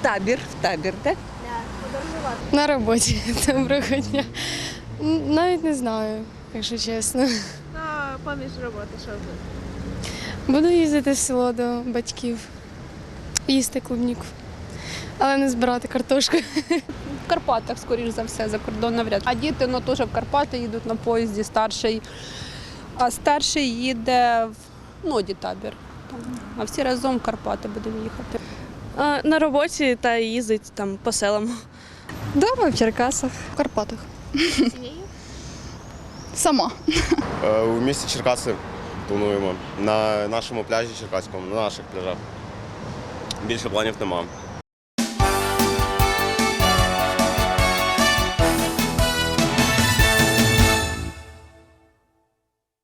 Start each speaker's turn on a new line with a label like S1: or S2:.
S1: В табір, так?
S2: На роботі. Доброго дня. Навіть не знаю, якщо чесно.
S3: А поміж роботи, що ви?
S2: Буду їздити в село до батьків, їсти клубніку, але не збирати картошку.
S4: В Карпатах, скоріш за все, за кордон навряд. А діти теж в Карпати їдуть на поїзді, старший. А старший їде в Ноді табір. А всі разом в Карпати будемо їхати.
S5: На роботі та їздить там по селам.
S2: Дома в Черкасах.
S6: В Карпатах. Сама.
S7: У місті Черкаси плануємо. На нашому пляжі Черкаському, на наших пляжах. Більше планів нема.